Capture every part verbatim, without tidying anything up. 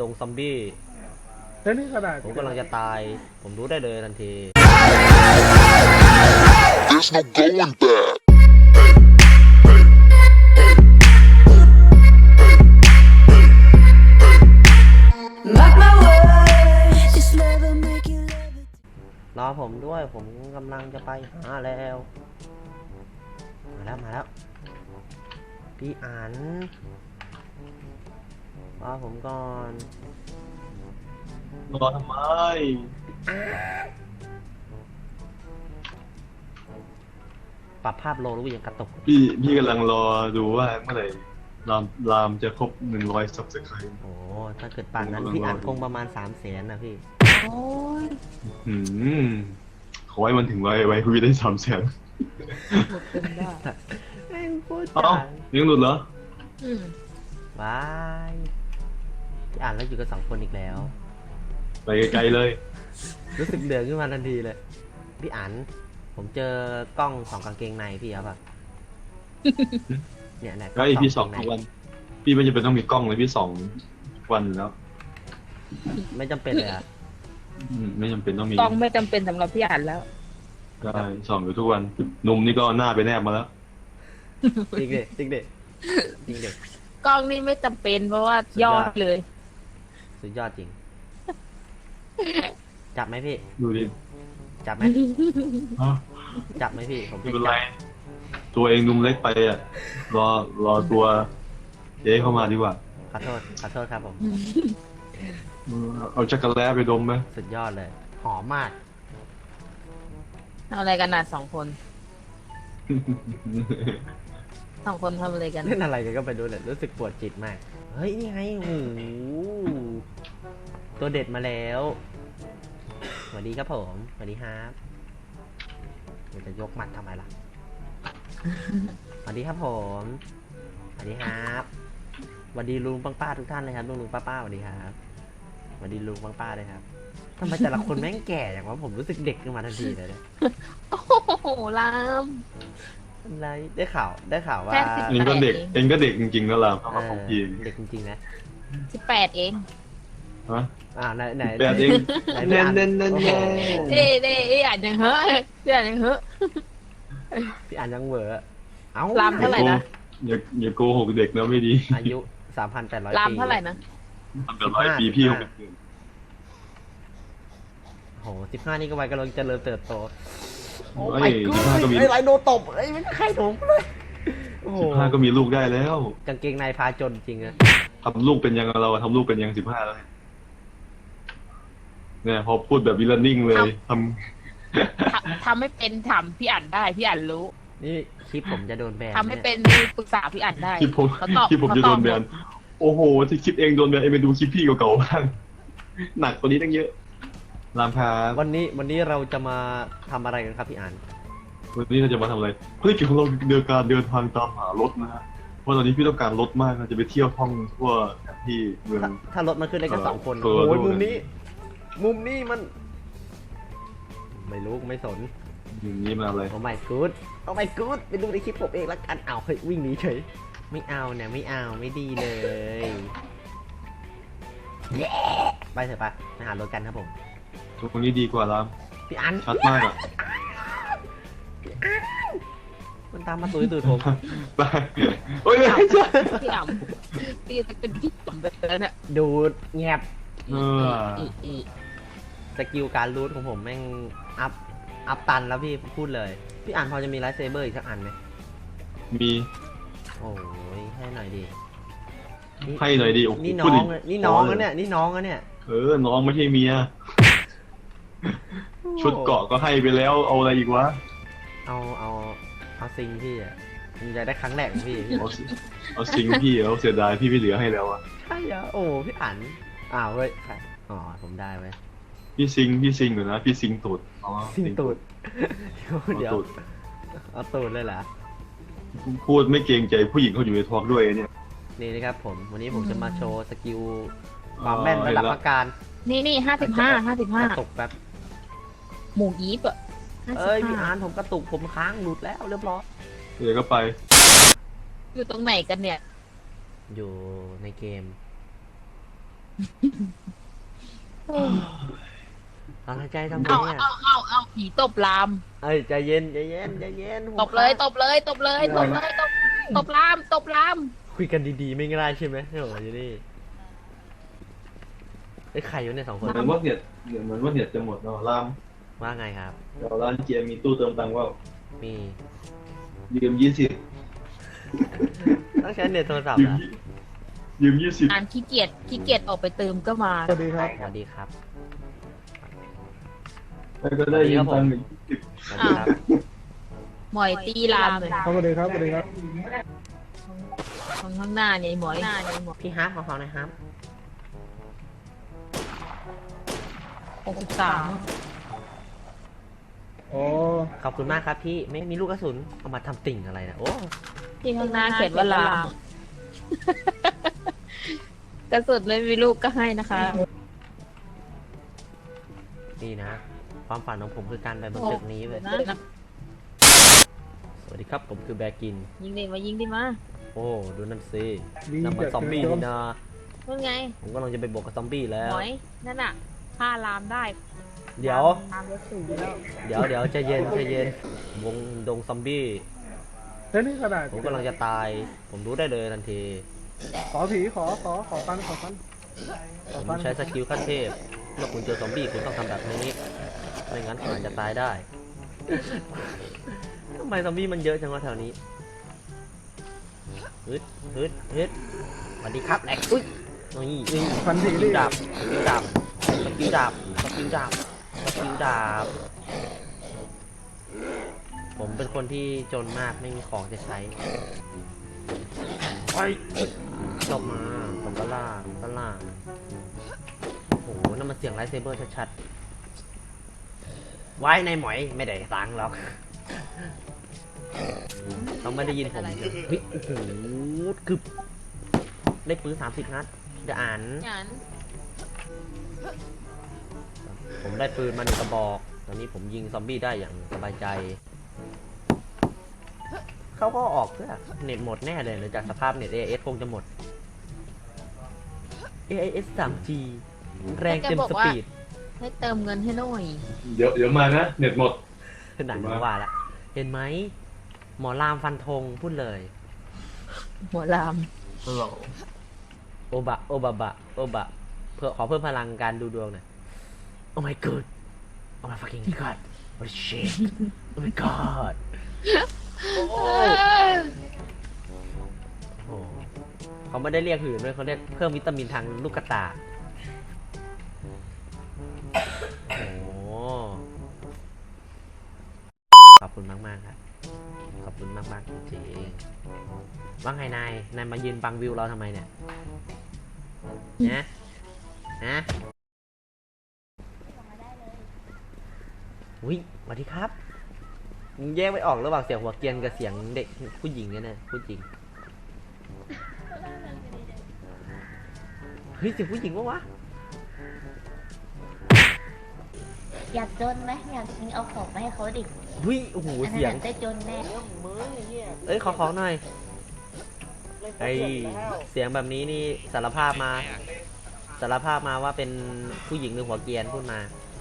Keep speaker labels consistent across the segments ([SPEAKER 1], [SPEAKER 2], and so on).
[SPEAKER 1] ดงซอมบี้
[SPEAKER 2] แล้วนี่ขนาด
[SPEAKER 1] ผมกำลังจะตายผมรู้ได้เลยทันที
[SPEAKER 3] There's no going back.
[SPEAKER 4] Mark my words, this love will make you love it.
[SPEAKER 1] รอผมด้วยผมกำลังจะไปหาแล้วมาแล้วมาแล้วพี่อันรอผมก่อน
[SPEAKER 2] รอทำไม
[SPEAKER 1] ปรับภาพโลรู้ยังกระตุก
[SPEAKER 2] พี่พี่กำลังรอดูว่าเมื่อไหร่รามรามจะครบหนึ่งร้อยซับสไครต์
[SPEAKER 1] โอ้ถ้าเกิดป่านนั้นพี่อันคงประมาณสามแสนนะพี่
[SPEAKER 4] โอ้ย
[SPEAKER 2] อืมขอให้มันถึงไว้ไว้คุยได้สามแสน
[SPEAKER 4] หมดเป็นได้
[SPEAKER 1] ไม่พูด
[SPEAKER 2] เอ้ายังหลุดเหรอ
[SPEAKER 4] อืม
[SPEAKER 1] บายพี่อ่านแล้วอยู่กับสองคนอีกแล้ว
[SPEAKER 2] ไปไกลๆเลย
[SPEAKER 1] รู้สึกเดือดขึ้นมาทันทีเลยพี่อ่านผมเจอกล้องสองกางเกงในพี่ครับเนี่ยเนี่ย
[SPEAKER 2] ก็อีพี่สองทุกวันพี่ไม่จำเป็นต้องมีกล้องเลยพี่สองวันแล้ว
[SPEAKER 1] ไม่จำเป็นเลยอ่ะ
[SPEAKER 2] ไม่จำเป็นต้องมี
[SPEAKER 4] กล้องไม่จำเป็นสำหรับพี่อ่านแล้ว
[SPEAKER 2] ใช่สองอยู่ทุกวันหนุ่มนี่ก็หน้าไปแนบมาแล้ว
[SPEAKER 1] จริงเด็จริงเด็จริงเด็
[SPEAKER 4] กล้องนี่ไม่จำเป็นเพราะว่ายอดเลย
[SPEAKER 1] สุดยอดจริงจับไหมพี่
[SPEAKER 2] ดูดิ
[SPEAKER 1] จับไหมจับไหมพี่ผม
[SPEAKER 2] ไม่เป็นไรตัวเองนุ่มเล็กไปอ่ะรอรอตัวเจ๊เข้ามาดีกว่า
[SPEAKER 1] ขอโทษขอโทษครับผม
[SPEAKER 2] เอาจักรแล้ไปดมไหม
[SPEAKER 1] สุดยอดเลยหอมมาก
[SPEAKER 4] ทำอะไรกันน่ะสองคนสองคนทำอะไรกัน
[SPEAKER 1] เล่นอะไรกันก็ไปดูเลยรู้สึกปวดจิตมากเฮ้ยนี่ไงโอ้โหตัวเด็ดมาแล้วสวัสดีครับผมสวัสดีครับเดี๋ยวจะยกหมัดทำไมล่ะสวัสดีครับผมสวัสดีครับสวัสดีลุงป้าป้าทุกท่านเลยครับลุงลุงป้าป้าสวัสดีครับสวัสดีลุงป้าป้าเลยครับทำไมแต่ละคนแม่งแก่อย่างว่าผมรู้สึกเด็กขึ้นมาทันทีเลยเนี่ย
[SPEAKER 4] โอ้โหลาม
[SPEAKER 1] อะไรได้ข่าวได้ข่าวว่า
[SPEAKER 2] เองก็เด็กเองก็เด็กจริงๆแล้วลามเข้ามาของพี่
[SPEAKER 1] เด็กจริงๆนะ
[SPEAKER 4] สิบแปดเอง
[SPEAKER 2] ฮะ
[SPEAKER 1] อ่าไหนไหน
[SPEAKER 2] แปดเองเน้นเน้นเน้นเน้น
[SPEAKER 4] เด้เด้พี่อ่านยังเหอะพี่อ่านยังเหอะ
[SPEAKER 1] พี่อ่านยังเหวอเอ้า
[SPEAKER 4] ลามเท่าไหร่นะ
[SPEAKER 2] อย่าอย่าโกหกเด็กนะไม่ดี
[SPEAKER 1] อายุสามพันแปดร้อยปี
[SPEAKER 4] ลามเท่าไหร่นะ
[SPEAKER 2] สามพันแปดร้อยปีพี่หกสิบ
[SPEAKER 1] โหสิบห้านี่ก็วัยกำลังเจริญเติบโต
[SPEAKER 2] โอ้ยสิบห้าก็มี
[SPEAKER 1] ไอ้ไรโดตบไอ้ไม่ใครถูกเลย
[SPEAKER 2] สิบห้าก็มีลูกได้แล้ว
[SPEAKER 1] กางเกงในพาจนจริงอะ
[SPEAKER 2] ทำลูกเป็นยังเราทำลูกเป็นยังสิบห้าแล้วเนี่ยพอพูดแบบวิลนิ่งเลยท
[SPEAKER 4] ำทำไม่เป็นทำพี่อ่านได้พี่อ่านรู้
[SPEAKER 1] นี่คลิปผมจะโดนแบน
[SPEAKER 4] ทำไม่เป็นปรึกษาพี่อ่านได้
[SPEAKER 2] คลิปผมคลิปผมจะโดนแบนโอ้โหที่คลิปเองโดนแบนเองไปดูคลิปพี่เก่าๆบ้างหนักกว่านี้ตั้งเยอะรามพา
[SPEAKER 1] วันนี้วันนี้เราจะมาทำอะไรกันครับพี่อ่าน
[SPEAKER 2] วันนี้เราจะมาทำอะไรภารกิจของเราเดินการเดินทางตามหารถนะฮะเพราะตอนนี้พี่ต้องการรถมากเราจะไปเที่ยวท่องทั่วที่เมือง
[SPEAKER 1] ถ้ารถมันขึ้นได้แค่สองคนโอ้ยมุมนี้มุมนี้มันไม่รู้ไม่สน
[SPEAKER 2] อย่างนี้มาเลย
[SPEAKER 1] โอ้ my god โอ้ my god ไปดูในคลิปผมเองละกันเอาเฮ้ยวิ่งหนีเฉยไม่เอาเนี่ยไม่เอาไม่ดีเลยไปเถอะปะไปหารถกันครับผม
[SPEAKER 2] ตรงนี้ดีกว่าแล้ว
[SPEAKER 1] พี่อัน
[SPEAKER 2] ชัดมากอ่ะ
[SPEAKER 1] มันตามมาตุยตุยผม
[SPEAKER 2] ไปโอ้ยไม่ใช่
[SPEAKER 4] พี่อ่ำพี่จะเป็นพี่ต่ำไปแล้วเนี่ย
[SPEAKER 1] ดูแงบ
[SPEAKER 2] เออ
[SPEAKER 1] สกิลการรูทของผมแม่งอัพอัพตันแล้วพี่พูดเลยพี่อ่านพอจะมีไลท์เซเบอร์อีกสักอันไหม
[SPEAKER 2] มี
[SPEAKER 1] โอ้ยให้หน่อยดี
[SPEAKER 2] ให้หน่อยดี
[SPEAKER 1] นี่น้องนี่น้องแล้วเนี่ยนี่น้องแล้วเนี่ย
[SPEAKER 2] เออน้องไม่ใช่เมียชุดเกาะก็ให้ไปแล้วเอาอะไรอีกวะ
[SPEAKER 1] เอาเอาเอาซิงพี่อ่ะมันจะได้ครั้งแรกของพี่
[SPEAKER 2] เอาเอาซิงพี่เอาเสียดายพี่ไม่เหลือให้แล้วอ่ะ
[SPEAKER 1] ใช่เหรอโอ้พี่อ่านอ้าวเฮ้ยอ๋อผมได้ไหม
[SPEAKER 2] พี่ซิงพี่ซิงอยู่นะพี่ซิงตูด
[SPEAKER 1] ซิงตูดเดี๋ยวเอาตูดเลยเหรอ
[SPEAKER 2] พูดไม่เกรงใจผู้หญิงเขาอยู่ในทอล์กด้วยเนี่ย
[SPEAKER 1] นี่นะครับผมวันนี้ผมจะมาโชว์สกิลความแม่นระดับประการ
[SPEAKER 4] นี่นี่ห้าสิบห้าห้าสิบห้าก
[SPEAKER 1] ระตุกแป๊บ
[SPEAKER 4] หมูยีบอ่ะ
[SPEAKER 1] เอ้ยพี่อ่านผมกระตุกผมค้างหลุดแล้วเรียบร้อย
[SPEAKER 2] เดี๋ยวก็ไป
[SPEAKER 4] อยู่ตรงไหนกันเนี่ย
[SPEAKER 1] อยู่ในเกมตั้งใจทำไม
[SPEAKER 5] เอา
[SPEAKER 1] เนี่ย
[SPEAKER 5] เอาเอาเอาผีตบลาม
[SPEAKER 1] เอ้ยใจเย็นใจเย็นใจเย็น
[SPEAKER 5] ตบเลยตบเลยตบเลยตบเลยตบตบลามตบลาม
[SPEAKER 1] คุยกันดีๆไม่ง่ายใช่ไหมโอ้ยนี่ไอ้ยใครอยู่เนี่ยสองคน
[SPEAKER 2] เหมือนว่าเน็ตเหมือนว่าเน็ตจะหมดเนาะราม
[SPEAKER 1] ว่าไงครับ
[SPEAKER 2] เดี๋ยวร้านเกียร์มีตู้เติมตังค์ว่า
[SPEAKER 1] มี
[SPEAKER 2] ยืมยี่สิบ
[SPEAKER 1] ต้องใช้เน็ตโทรศัพท์
[SPEAKER 2] ยืม
[SPEAKER 1] นะ
[SPEAKER 2] ยืมยี่สิบ
[SPEAKER 5] อ่านขี้เกียจขี้เกียจออกไปเติมก็มา
[SPEAKER 6] สวัสดีครับ
[SPEAKER 1] สวัสดีครับ
[SPEAKER 2] แล้วก็ได้ยืมตังค์อีกยี่สิบ
[SPEAKER 1] สวัสดีครับ
[SPEAKER 5] หมอยตีลามเลย
[SPEAKER 6] สวัสดีครับ สวัสดีครับ
[SPEAKER 5] ข้างข้างหน้าเนี่ยหมอยหน้าเนี่ยหมอย
[SPEAKER 1] พี่ฮาร์ปของเขาหนะครับ
[SPEAKER 5] หกสิบสาม
[SPEAKER 6] อ๋อ
[SPEAKER 1] ขอบคุณมากครับพี่ไม่มีลูกกระสุนเอามาทำติ่งอะไรนะโอ้
[SPEAKER 5] ที่ข้างหน้าเขียนว่าลาม กระสุนไม่มีลูกก็ให้นะคะ
[SPEAKER 1] นี่นะ ความฝันของผมคือการไปบนตึกนี้เลย
[SPEAKER 5] นะ
[SPEAKER 1] สวัสดีครับผมคือแบร์กิน
[SPEAKER 5] ยิงดิมายิงดิมา
[SPEAKER 1] โอ้ดูนั่นสิ
[SPEAKER 6] ดี
[SPEAKER 1] นั่นมัน
[SPEAKER 6] จัด
[SPEAKER 1] ซอมบี้
[SPEAKER 6] เลย
[SPEAKER 1] นี่นะ
[SPEAKER 5] นู่นไง
[SPEAKER 1] ผมกำลังจะไปบวกกับซอมบี้แล้ว
[SPEAKER 5] หมอยนั่นน่ะฆ่าลามได้
[SPEAKER 1] เดี๋ยว
[SPEAKER 5] ลามรถสูงแล้ว
[SPEAKER 1] เดี๋ยวเดี๋ยวใจเย็นใจเย็นวงดงซอมบี้
[SPEAKER 6] เฮ้ยนี่ขนาด
[SPEAKER 1] ผมกำลังจะตาย ผมรู้ได้เลยทันที
[SPEAKER 6] ขอผีขอ ขอ ขอฟันขอฟันข
[SPEAKER 1] ผ
[SPEAKER 6] อ
[SPEAKER 1] ม
[SPEAKER 6] ฟัน
[SPEAKER 1] ใช้สกิลขั้นเทพเมื่อคุณเจอซอมบี้คุณต้องทำแบบนี้ไม่งั้นคุณอาจจะตายได้ ทำไมซอมบี้มันเยอะจังวะแถวนี้ฮึดฮึดฮึดสวัสดีครับแหลกอุ้ยนี่นี่
[SPEAKER 6] ฟัน
[SPEAKER 1] ส
[SPEAKER 6] ผี
[SPEAKER 1] กิ
[SPEAKER 6] ดิ
[SPEAKER 1] ลดาบสกิลดาบสกิลดาบสกิลดาบสกิลดาบ ผมเป็นคนที่จนมากไม่มีของจะใช้ไปจบมาผมก็ล่าก็ล่าโอ้โหนั่นมันเสียงไลท์เซเบอร์ชัดๆไว้ในหมอยไม่ได้ตังค์หรอกเขาไม่ได้ยินผมเฮ้ยโอ้โหกึบได้ปืนสามสิบนัดเดี๋ยวอ่าน
[SPEAKER 5] อย่างนั้น
[SPEAKER 1] ผมได้ปืนมาหนึ่งกระบอก ตอนนี้ผมยิงซอมบี้ได้อย่างสบายใจ เขาก็ออกเพื่อเน็ตหมดแน่เลยหลังจากสภาพเน็ต เอ เอส คงจะหมด เอ เอส ทรีจี แรงเต็มสปีด
[SPEAKER 5] ให้เติมเงินให้หน่อย
[SPEAKER 2] เดี๋ยวเดี๋ยวมานะเน็ตหมด
[SPEAKER 1] หนังว่าละ เห็นไหม หมอรามฟันธงพูดเลย
[SPEAKER 5] หัวลาม
[SPEAKER 1] โอบะ โอบะบะ โอบะ เพื่อขอเพิ่มพลังการดูดวงหน่อย Oh my god Oh my fucking god What shit Oh my god โอ้โหเขาไม่ได้เรียกหื่นด้วยเขาเรียกเพิ่มวิตามินทางลูกกระตา โอ้โหขอบคุณมากมากๆครับ ขอบคุณมากมากๆจริงๆว่าไงนาย นายมายืนบังวิวเราทำไมเนี่ยนะนะอุ้ยสวัสดีครับมึงแยกไม่ออกระหว่างเสียงหัวเกรียนกับเสียงเด็กผู้หญิงเนี่ยนะผู้หญิง เฮ้ยเสียงผู้หญิงวะวะ
[SPEAKER 7] อยากจนไหมอยากมีเอาของมาให้เขาดิ
[SPEAKER 1] เฮ้ยโอ้โห
[SPEAKER 7] อันนั้
[SPEAKER 1] เสียง
[SPEAKER 7] นได้จนแน่
[SPEAKER 1] เอ้ยขอของหน่อยไอเสียงแบบนี้นี่สารภาพมา สารภาพมาว่าเป็นผู้หญิงหรือหัวเกรียนพูดมา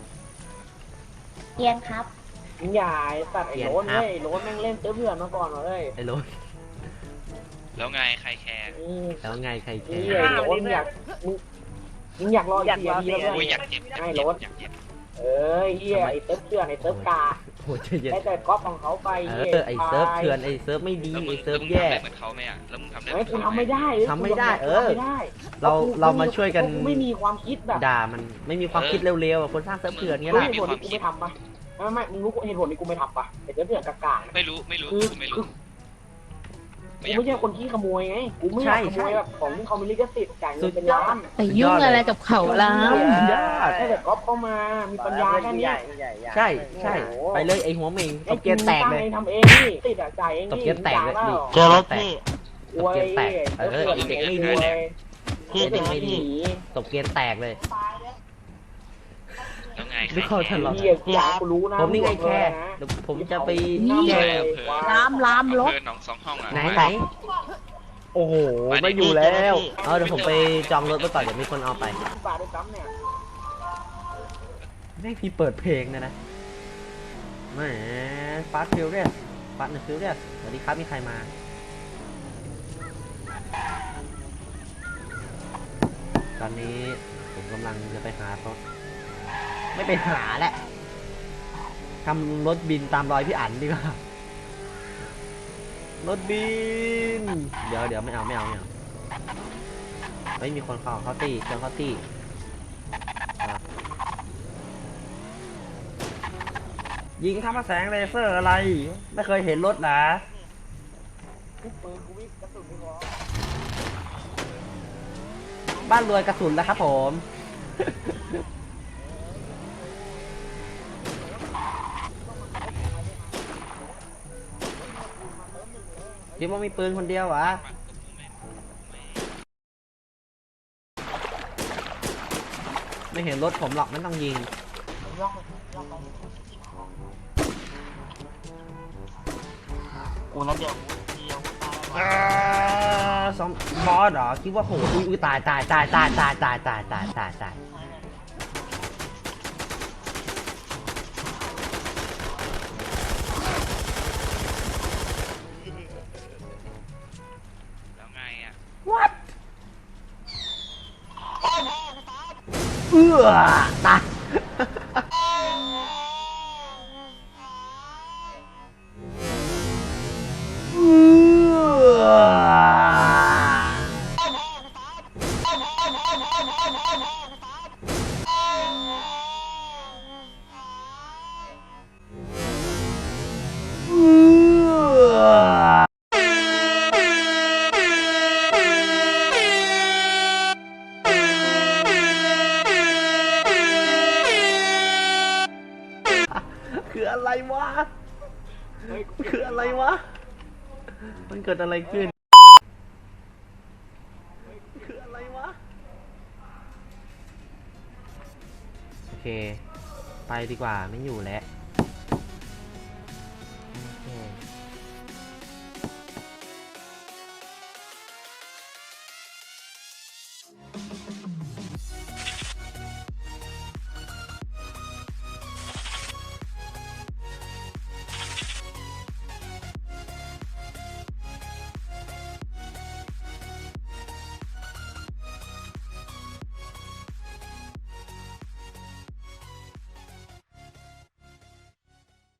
[SPEAKER 7] เกียนครับ
[SPEAKER 8] อย่าไอ้สัตว์ไอ้โรน
[SPEAKER 1] เปลี่ยนครับ
[SPEAKER 8] เว้ยโรนแม่งเล่นเตื้อเพื่อนมาก่อนเลย
[SPEAKER 1] ไอ้โรถ
[SPEAKER 9] แล้วไงใครแคร์
[SPEAKER 8] อืม
[SPEAKER 1] แล้วไงใครแค
[SPEAKER 8] นี่
[SPEAKER 1] ร์
[SPEAKER 8] ไอ้โรนอยากมึงมึงอยากรออีกสี่นาทีแล้ว
[SPEAKER 9] อุ้ย
[SPEAKER 8] เพื่
[SPEAKER 9] อ
[SPEAKER 8] อน
[SPEAKER 9] ยากเจ็บอยาก
[SPEAKER 8] ไม่
[SPEAKER 9] เจ็บ
[SPEAKER 8] รถ
[SPEAKER 9] อยากเจ็บ
[SPEAKER 8] เอ้ยเฮียไอ้เตื้อเพื่อนไอ้เตื้อกา
[SPEAKER 1] โอ้ยใจเย็น
[SPEAKER 8] ได้แต่ก๊อปของเขาไป
[SPEAKER 1] เอ
[SPEAKER 8] หี้ย
[SPEAKER 1] อไอเซิร์ฟเถื่อนไอเซิร์ฟไม่ดี
[SPEAKER 9] แล้วมึ
[SPEAKER 1] ไอง เซิ
[SPEAKER 9] แล้
[SPEAKER 1] ร์
[SPEAKER 9] ว
[SPEAKER 1] ฟ
[SPEAKER 9] มึง
[SPEAKER 1] แย่
[SPEAKER 9] ทำได้เหมือนเขาไหมอ่ะแล้วมึงทำได้เหมื
[SPEAKER 8] ไอ้
[SPEAKER 9] อน
[SPEAKER 8] กู
[SPEAKER 9] เขา
[SPEAKER 8] ทำไม่ได้
[SPEAKER 1] ทำไม่ได้เออ
[SPEAKER 8] ทำไม่ได้
[SPEAKER 1] เราเรามาช่วยกัน
[SPEAKER 8] กูไม่มีความคิดแบบ
[SPEAKER 1] ด่ามันไม่มีความคิดเร็วๆอะคนสร้างเซิร์ฟเถื่อนเงี้ย
[SPEAKER 8] รู้
[SPEAKER 1] ล่ะ
[SPEAKER 8] เหตุผลที่กูไม่ทำปะไม่ไม่มึงรู้เหตุผลที่กูไม่ทำปะไอ้เตื้อเพื่อนกากา
[SPEAKER 9] ไม่รู้ไม่รู้
[SPEAKER 8] คือ
[SPEAKER 9] กูไม่
[SPEAKER 8] คื
[SPEAKER 9] รู้
[SPEAKER 8] อ กูไม่ใช่คนที่ขโมยไง กูไม่อยากขโมยแบบของที่เขามีลิขสิทธิ์จ่ายเงินเป็นล้าน
[SPEAKER 5] ไปยุ่งอะไรกับเขาลาม
[SPEAKER 1] สุดยอด
[SPEAKER 8] ได้แต่ก๊อปเข้ามา มีปัญญาแค่เนี้ย
[SPEAKER 1] ใช่ใช่ไปเลยไอหัวเมงตบเกียร์แตกเลย
[SPEAKER 8] ไอ้ทำเองนี่ติดอะจ่ายเอง
[SPEAKER 1] ตบ
[SPEAKER 8] นี่
[SPEAKER 1] เกียร์แตกเลยดิ
[SPEAKER 8] เจอรถ
[SPEAKER 1] แตก
[SPEAKER 8] อวย
[SPEAKER 1] ตบเกียร์แตกเออ
[SPEAKER 8] เด็กไม่ดีพี่เด็กไม่ดี
[SPEAKER 1] ตบเกียร์แตกเลย
[SPEAKER 9] แล้วไงใคร
[SPEAKER 1] ไม่เข้า
[SPEAKER 9] แค
[SPEAKER 1] ทัน
[SPEAKER 9] ร์
[SPEAKER 1] หรอก
[SPEAKER 8] พี่กูอยากกูรู้นะ
[SPEAKER 1] ผมนี่ไงแค่เดี๋ยวผมจะไป
[SPEAKER 8] นี่
[SPEAKER 1] แย
[SPEAKER 8] ไง
[SPEAKER 1] ก
[SPEAKER 5] ลามลามรถ
[SPEAKER 9] เพื่อนน้องสองห้องอ่ะ
[SPEAKER 1] ไหนไหนโอ้โห ไม่อยู่แล้ว เอาเดี๋ยวผมไปจองรถไว้ก่อนเดี๋ยวมีคนเอาไป
[SPEAKER 8] ที่ป่าด้วยซ้ำเนี่ย
[SPEAKER 1] ไม่พี่เปิดเพลงนะนะแหมฟาสฟิลเรียสฟาสฟิลเรียสสวัสดีครับมีใครมา ตอนนี้ผมกำลังจะไปหารถไม่ไปหาแหละทำรถบินตามรอยพี่อั๋นดีกว่ารถบิน เดี๋ยวเดี๋ยวไม่เอาไม่เอาไม่เอาไม่มีคนเข้าเข้าตีเครื่องเข้าตีอ่ะยิงข้ามแสงเลเซอร์อะไร ไม่เคยเห็นรถนะ
[SPEAKER 8] ปืนกูวิ่งกระสุนไม่พอ
[SPEAKER 1] บ้านรวยกระสุนแล้วครับผม คิดว่ามีปืนคนเดียววะไม่เห็นรถผมหรอกไม่ต้องยิง
[SPEAKER 8] กูนั่นเดียวเดียว
[SPEAKER 1] อ่าสมบอสเหรอคิดว่าโหอุ้ยอุ้ยตายตายตายตายตายตายตายตายตายตาย
[SPEAKER 9] แล้วไงอ่ะ
[SPEAKER 1] what เอื้อตายเอื้อเอื้อ คืออะไรวะ คืออะไรวะ มันเกิดอะไรขึ้น คืออะไรวะ โอเค ไปดีกว่าไม่อยู่แล้ว